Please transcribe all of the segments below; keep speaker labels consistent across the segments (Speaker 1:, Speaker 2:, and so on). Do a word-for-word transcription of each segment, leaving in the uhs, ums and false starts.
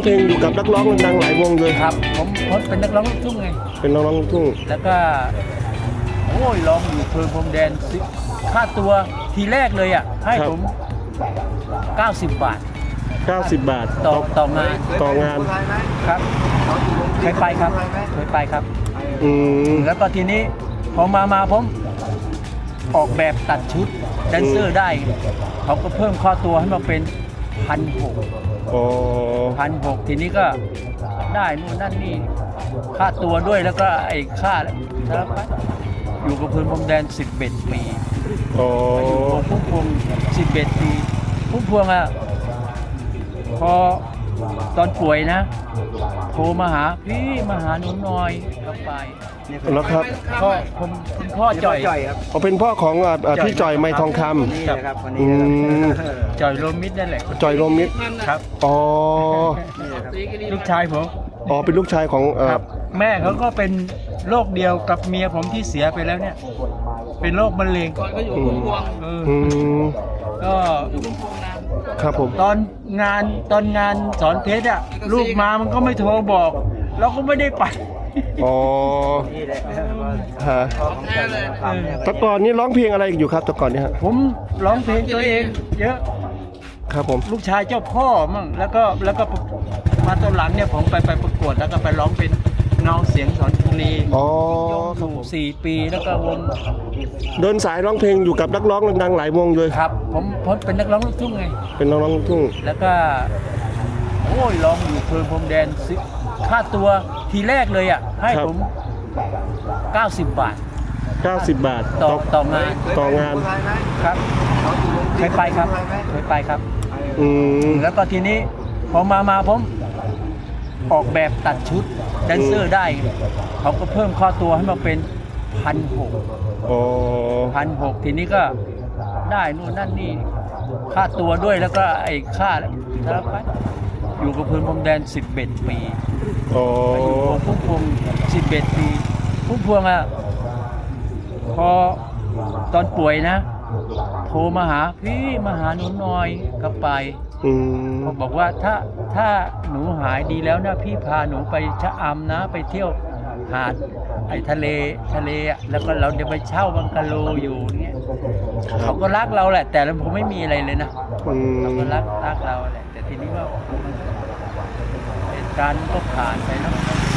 Speaker 1: เพลงอยู่กับนักร้องดังๆหลายวงเลย
Speaker 2: ครับผมผมเป็นนักร้องลูกทุ่งไง
Speaker 1: เป็นนักร้องลูกทุ่ง
Speaker 2: แล้วก็โอ้ยร้องอยู่เพลินพรมแดนค่าตัวทีแรกเลยอ่ะให้ผมเก้าสิบบาท
Speaker 1: เก้าสิบบาท
Speaker 2: ต่อต่องาน
Speaker 1: ต่องาน
Speaker 2: ครับเคยไปครับเคยไปครับ
Speaker 1: อืม
Speaker 2: แล้วก็ทีนี้พอมามาผมออกแบบตัดชุดแดนเซอร์ได้เขาก็เพิ่มค่าตัวให้มาเป็นพันหกพันหกทีนี้ก็ได้นู่นนั่นนี่ค่าตัวด้วยแล้วก็ไอ้ค่าสารพัดอยู่กับพื้นพรมแดนสิบเอ็ดปีอยู่กับพุ่มพวงสิบเอ็ดปีพุ่มพวงอ่ะพอตอนป่วยนะโทรมาหาพี่มาหาหนูหน่อยก็ไป
Speaker 1: แล้วครับ
Speaker 2: พ่อผมคุณพ่อจ่อย
Speaker 1: ครับเขาเป็นพ่อของพี่จ่อยไม้ทองคำ
Speaker 2: นี่ครับวันนี้จ่อยโรมิดนั่นแหละ
Speaker 1: จ่อยโรมิด
Speaker 2: ครับ
Speaker 1: อ๋อ
Speaker 2: ลูกชายผม
Speaker 1: อ๋อเป็นลูกชายของ
Speaker 2: แม่เขาก็เป็นโรคเดียวกับเมียผมที่เสียไปแล้วเนี่ยเป็นโรคมะเร็งก็อยู่พุ่มพวงก็
Speaker 1: ครับผม
Speaker 2: ตอนงานตอนงานสอนเพชรอ่ะลูกมามันก็ไม่โทรบอกเราก็ไม่ได้ไป
Speaker 1: อ๋อฮะแต่ก่อนนี้ร้องเพลงอะไรอยู่ครับแต่ก่อนนี้ฮะ
Speaker 2: ผมร้องเพลงตัวเองเยอะ
Speaker 1: ครับผม
Speaker 2: ลูกชายเจ้าพ่อมั่งแล้วก็แล้วก็มาตอนหลังเนี่ยผมไปไปประกวดแล้วก็ไปร้องเป็นน้องเสียงสอนบุรี
Speaker 1: อ๋อ
Speaker 2: สี่ปีแล้วก็วง
Speaker 1: เดินสายร้องเพลงอยู่กับนักร้องดังๆหลายวงเลย
Speaker 2: ครับผมผมเป็นนักร้องลูกทุ่งไง
Speaker 1: เป็นนักร้องลูกทุ่ง
Speaker 2: แล้วก็โอ้ยร้องอยู่เพลินพรมแดนค่าตัวทีแรกเลยอ่ะให้ผมเก้าสิบบาท
Speaker 1: เก้าสิบบาท
Speaker 2: ต่อต่องาน
Speaker 1: ต่องาน
Speaker 2: ครับเคยไปครับเคยไปครับ
Speaker 1: อืม
Speaker 2: แล้วก็ทีนี้พอมามาผมออกแบบตัดชุดแดนเซอร์ได้เขาก็เพิ่มค่าตัวให้มาเป็นพันหกพันหกทีนี้ก็ได้นู่นนั่นนี่ค่าตัวด้วยแล้วก็ไอ้ค่าสารพัดอยู่กับพื้นพรมแดนสิบเอ็ดปีอยู่กับพุ่มพวงสิบเอ็ดปีพุ่มพวงอ่ะพอตอนป่วยนะโทรมาหาพี่มาหาหนูหน่อยก็ไปเขาบอกว่าถ้าถ้าหนูหายดีแล้วนะพี่พาหนูไปชะอำนะไปเที่ยวหาดไอ้ทะเลทะเลอ่ะแล้วก็เราจะไปเช่าบังกะโลอยู่เงี้ยเขาก็รักเราแหละแต่เราผมไม่มีอะไรเลยนะเขาก็รักรักเราแหละแต่ทีนี้ว่าเหตุการณ์ก็ผ่านไปแล้ว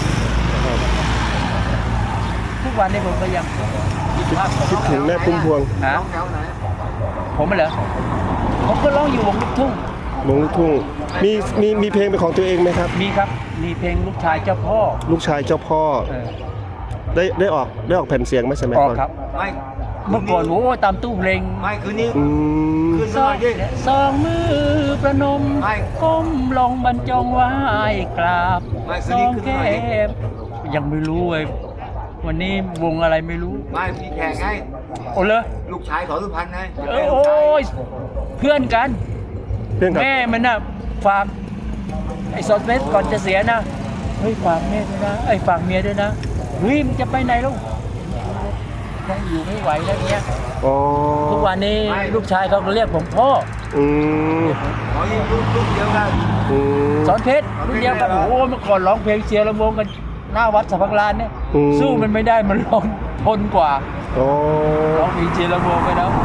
Speaker 2: ทุกวันนี้ผมก็ยัง
Speaker 1: คิดถึงแม่พุ่มพวง
Speaker 2: ฮะผมเหรอผมก็ร้องอยู่วงลูกทุ่ง
Speaker 1: วงลูกทุ่งมีมีมีเพลงเป็นของตัวเองไหมครับ
Speaker 2: มีครับมีเพลงลูกชายเจ้าพ่อ
Speaker 1: ลูกชายเจ้าพ่อได้ได้ออกได้ออกแผ่นเสียงไหมใช่ไหม
Speaker 2: ออกครับไม่เมื่อก่อนโอ้ตามตู้เพลง
Speaker 3: ไม่คืนนี้
Speaker 2: คืนสองสองมือประนมก้มลงบรรจงไหว้กราบสองแก้มยังไม่รู้เลยวันนี้วงอะไรไม่รู้
Speaker 3: ไม่มีแขกไง
Speaker 2: โอ้เลย
Speaker 3: ลูกชายสอนสุพรรณไง
Speaker 2: โอ้ยเพื่อนกันแม่มันน่ะฝากไอ้สอนเพชรก่อนจะเสียนะเฮ้ยฝากแม่ด้วยนะไอ้ฝากเมียด้วยนะเฮ้ยมันจะไปไหนลูกยังอยู่ไม่ไหวแล้วเนี้ยทุกวันนี้ลูกชายเขาก็เรียกผมพ่อ
Speaker 1: อืม
Speaker 3: อ๋อนี่ลูกลูกเดียวกัน
Speaker 2: สอนเพชรลูกเดียวกันโอ้โหเมื่อก่อนร้องเพลงเชียร์ลำวงกันหน้าวัดสัพพลานเนี่ยสู้มันไม่ได้มันร้องทนกว่าร้องเพลงเชียร์ลำวงไปแล้ว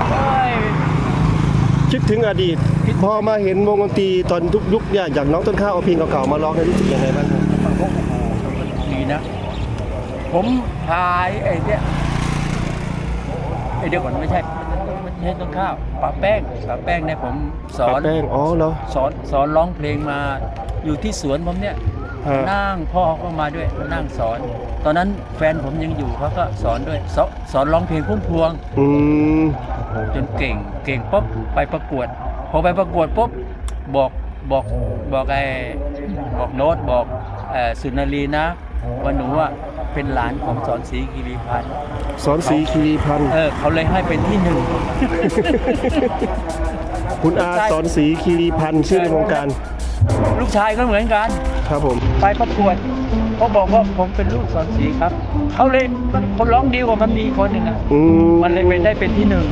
Speaker 1: คิดถึงอดีตพอมาเห็นวงดนตรีตอนทุกยุคเนี่ยอย่างน้องต้นข้าวเอาเพลงเก่าๆมาร้องให้รู้สึกยังไงบ้าง
Speaker 2: ดีนะผมพายไอ้เนี่ยไอ้เดี๋ยวก่อนไม่ใช่ไม่ใช่ต้นข้าวป้าแป้งป้าแป้งเนี่ยผมสอน
Speaker 1: ป้าแป้งอ๋อเหรอ
Speaker 2: สอนสอนร้องเพลงมาอยู่ที่สวนผมเนี่ยนั่งพ่อก็มาด้วยนั่งสอนตอนนั้นแฟนผมยังอยู่เขาก็สอนด้วยสอนร้องเพลงพุ่มพวงจนเก่งเก่งปุ๊บไปประกวดพอไปประกวดปุ๊บบอกบอกบอกไอ้บอกโน้ตบอกสุนารีนะว่าหนูอ่ะเป็นหลานของสอนศรีคีรีพันธ์
Speaker 1: สอนศรีคีรีพันธ์
Speaker 2: เออเขาเลยให้เป็นที่หนึ่ง
Speaker 1: คุณอาสอนศรีคีรีพันธ์ชื่อในวงการ
Speaker 2: ลูกชายก็เหมือนกัน
Speaker 1: ครับผม
Speaker 2: ไปประกวดเขาบอกว่าผมเป็นลูกสอนศรีครับเขาเลยคนร้องดีกว่ามันมีคนหนึ่งอ่ะมันเลยเป็นได้เป็นที่หนึ่ง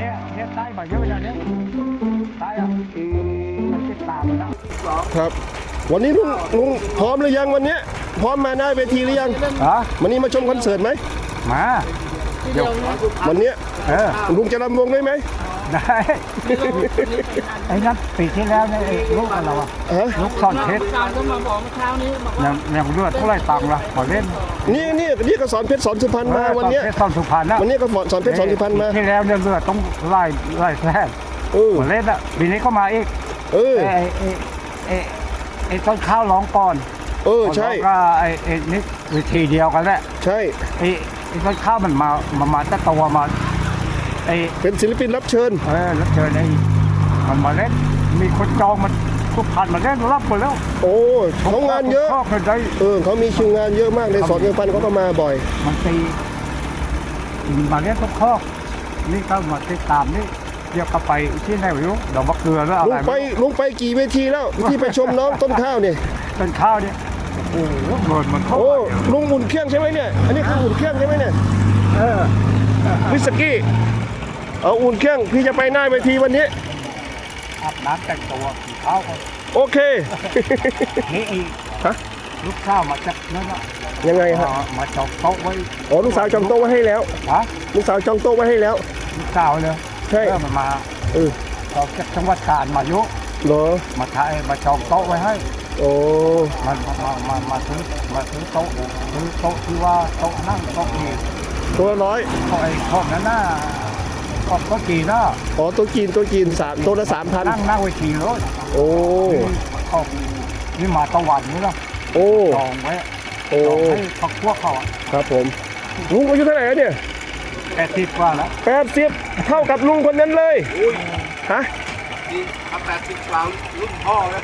Speaker 2: เนี่ยเนี่ยใต้มาเยอะอย่างเนี้ยใต้อ่ะ
Speaker 1: อืม
Speaker 2: มันติดตามมันนะครับ
Speaker 1: วันนี้ลุงลุงพร้อมหรือยังวันเนี้ยพร้อมมาหน้าเวทีหรือยัง
Speaker 2: ฮะ
Speaker 1: วันนี้มาชมคอนเสิร์ตไหม
Speaker 2: มาเดี๋ยว
Speaker 1: วันเนี้ย
Speaker 2: เออ
Speaker 1: ลุงจะรำวงได้ไหม
Speaker 2: ได้ไอ้นั่นปีที่แล้วเนี่ยไอ้ลูกอะไรวะ
Speaker 1: ฮะ
Speaker 2: ลูกซ่อนเพชร
Speaker 4: การก็มาบอกเมื่อเช้านี้บอกว่า
Speaker 2: ยังยังเลือดเท่าไรตังค์ละขอเล่น
Speaker 1: นี่นี่นี่ก็สอนเพชรสอนสุพรรณมาวันเนี้ย
Speaker 2: เพชรซ่อนสุพรรณนะ
Speaker 1: วันนี้ก็สอนเพชรสอนสุพรรณมา
Speaker 2: ปีที่แล้วเนี่ยเลือดต้องไล่ไล่แท้
Speaker 1: เออ
Speaker 2: ขอเล่นอ่ะปีนี้ก็มาอีก
Speaker 1: เออ
Speaker 2: ไอ้ไอ้ไอ้ไอ้ต้นข้าวร้องก่อน
Speaker 1: เออใช่
Speaker 2: แล้วก็ไอ้ไอ้นี่วิธีเดียวกันแหละ
Speaker 1: ใช่
Speaker 2: ไอ้ไอ้ต้นข้าวมันมามามาจะตัวมาไอ้
Speaker 1: เป็นศิลปินรับเชิญ
Speaker 2: เออแล้วเจอไอ้มันมาเล่นมีคนจองมันทุกพันมาเล่นรับหมดแล้ว
Speaker 1: โอ้เขางานเยอะ
Speaker 2: ชอบเลยได้
Speaker 1: เออเขามีคิวงานเยอะมากในสอนสุพรรณเขาก็มาบ่อย
Speaker 2: มันตีมาเล่นทุกข้อนี่ก็มาติดตามนี่เดี๋ยวก็ไปที่ไหนไม่รู้ดอกมะเกลือแล้วอะ
Speaker 1: ลุ
Speaker 2: ไรง
Speaker 1: ไปลุงไปกี่เวทีแล้วที่ไปชมน้องต้นข้าวเนี่ย
Speaker 2: ต้นข้าวเนี่ยโอ้โหเงินมันเข้า
Speaker 1: โอ้
Speaker 2: ไป
Speaker 1: ลุงอุ่นเครื่องใช่ไหมเนี่ยอันนี้คืออุ่นเครื่องใช่ไหมเนี่ย
Speaker 2: เออ
Speaker 1: วิสกี้เอาอุ่นเครื่องพี่จะไปหน้าเวทีวันนี้
Speaker 2: อาบน้ำแต่งตัวกินข้าวกัน
Speaker 1: โอเค
Speaker 2: นี่ไอ้
Speaker 1: ฮะ
Speaker 2: ลูกข้าวมาจากนั่นน่ะ
Speaker 1: ยังไงฮะ
Speaker 2: มามาจองโต๊ะไว้
Speaker 1: อ๋อลูกสาวจองโต๊ะไว้ให้แล้ว
Speaker 2: ฮะ
Speaker 1: ลูกสาวจองโต๊ะไว้ให้แล้ว
Speaker 2: ลูกสาวเลย
Speaker 1: ใช่
Speaker 2: เออมันมา
Speaker 1: เออ
Speaker 2: ออกจากจังหวัดกาญมายุ
Speaker 1: เหรอ
Speaker 2: มาถ่ายมาจองโต๊ะไว้ให้
Speaker 1: โอ้
Speaker 2: มามามามาซื้อมาซื้อโต๊ะซื้อโต๊ะที่ว่าโต๊ะนั่งโต๊ะนี่
Speaker 1: ตัวละร้อย
Speaker 2: โต๊ะไอ้โต๊ะนั้นน่ะโต๊ะโต๊ะจีนน่ะ
Speaker 1: อ๋อตัวจีนตัวจีนสามตัวละสามพัน
Speaker 2: นั่งนั่งไว้ขี่รถ
Speaker 1: โอ้
Speaker 2: ออกนี่มาตะวันนี่ละ
Speaker 1: โอ้
Speaker 2: จองไว้
Speaker 1: โอ้
Speaker 2: จองให้พักพวกเขาอ่ะ
Speaker 1: ครับผมลุงอายุเท่าไหร่แล้วเนี่ย
Speaker 2: แปดสิบกว่าแล้ว
Speaker 1: แปดสิบเท่ากับลุงคนนั้นเลยฮะ
Speaker 3: ดีทำแปดสิบกว่ารุ่นพ่อแล้ว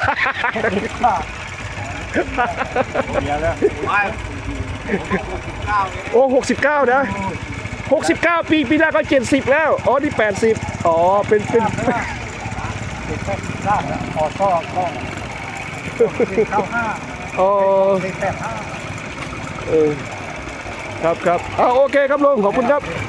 Speaker 2: เดียวแล้ว
Speaker 3: ไม่เก้าเนี่ย
Speaker 1: โอ้หกสิบเก้านะหกสิบเก้าปีปีหน้าก็เจ็ดสิบแล้วอ๋อนี่แปดสิบอ๋อเป็นเป็น
Speaker 2: ติดแค่สร้างแล้วออโต้ก็ติดเข้าห้า
Speaker 1: อ๋อ
Speaker 2: ติดแปดห้า
Speaker 1: เออครับครับเอาโอเคครับลุงขอบคุณครับ